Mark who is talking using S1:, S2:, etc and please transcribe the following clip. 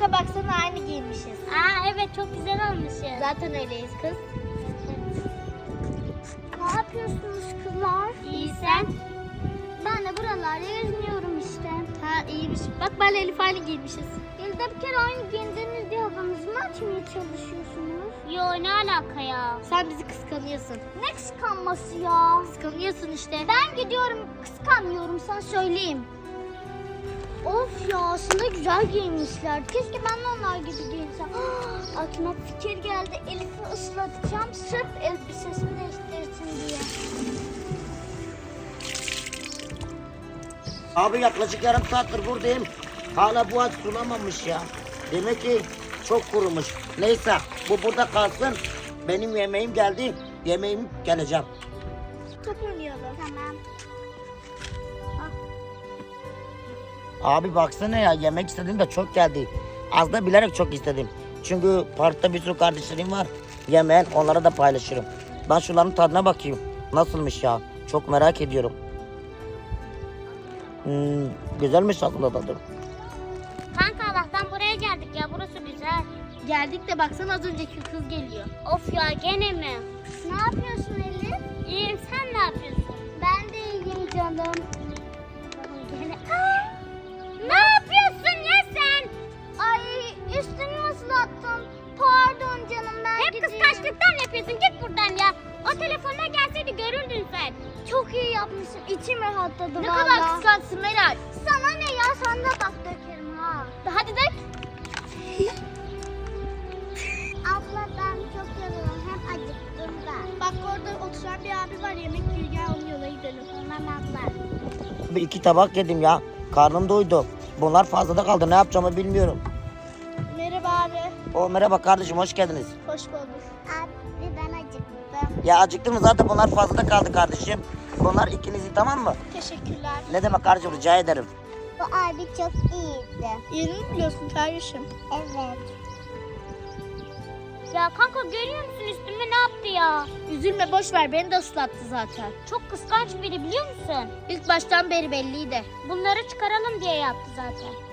S1: Kanka baksana aynı giymişiz.
S2: Aa evet çok güzel olmuşuz.
S1: Zaten öyleyiz kız.
S3: Ne yapıyorsunuz kızlar?
S2: İyi sen?
S3: Ben de buralarda geziniyorum işte.
S1: Ha iyiymiş. Bak ben Elif aynı giymişiz.
S3: Yılda bir kere aynı giyindiniz diye havanızı mı açmaya çalışıyorsunuz?
S2: Yo ne alaka ya?
S1: Sen bizi kıskanıyorsun.
S3: Ne kıskanması ya?
S1: Kıskanıyorsun işte.
S3: Ben gidiyorum kıskanmıyorum sana söyleyeyim. Of ya aslında güzel giyinmişler. Keşke ben de onlar gibi giyinsem. Aklıma fikir geldi. Elif'i ıslatacağım sırf elbisesini değiştirsin diye.
S4: Abi yaklaşık yarım saattir buradayım. Hala bu ağaç sulamamış ya. Demek ki çok kurumuş. Neyse bu burada kalsın. Benim yemeğim geldi. Yemeğim geleceğim.
S1: Top oynayalım.
S3: Tamam.
S4: Abi baksana ya yemek istedim de çok geldi. Az da bilerek çok istedim. Çünkü parkta bir sürü kardeşlerim var. Yemeğin onlara da paylaşırım. Ben şunların tadına bakayım. Nasılmış ya? Çok merak ediyorum. Güzelmiş aslında tadı.
S2: Kanka Allah'tan buraya geldik ya, burası güzel.
S1: Geldik de baksana az önceki kız geliyor.
S2: Of ya gene mi?
S3: Ne yapıyorsun Elif?
S2: İyiyim, sen ne yapıyorsun?
S3: Ben de iyiyim canım.
S2: Gene... Ne yapıyorsun ya sen?
S3: Ay üstümü ıslattım. Pardon canım ben
S2: Hep
S3: gideyim.
S2: kıskançlıktan yapıyorsun, git buradan ya. O telefonuna gelseydi görürdün sen.
S3: Çok iyi yapmışsın. İçim rahatladı
S1: Ne
S3: vallahi.
S1: kadar kıskançsın Meral.
S3: Sana ne ya? Sana da bak dökerim ha.
S1: Hadi dök.
S3: Abla ben çok yoruldum. Hem acıktım da.
S1: Bak orada oturan bir abi var yemek yiyor. Gel onun yola gidelim.
S3: Tamam abla.
S4: Bir iki tabak yedim ya. Karnım doydu. Bunlar fazlada kaldı. Ne yapacağımı bilmiyorum.
S1: Merhaba abi.
S4: Merhaba kardeşim hoş geldiniz.
S1: Hoş bulduk.
S3: Abi ben acıktım.
S4: Ya acıktın mı? Zaten bunlar fazlada kaldı kardeşim. Bunlar ikinizi tamam mı?
S1: Teşekkürler.
S4: Ne demek kardeşim rica ederim.
S3: Bu abi çok iyiydi.
S1: Yeni mi biliyorsun kardeşim?
S3: Evet.
S2: Ya kanka görüyor musun üstüme ne yaptı ya?
S1: Üzülme boş ver beni de ıslattı zaten.
S2: Çok kıskanç biri biliyor musun?
S1: İlk baştan beri belliydi.
S2: Bunları çıkaralım diye yaptı zaten.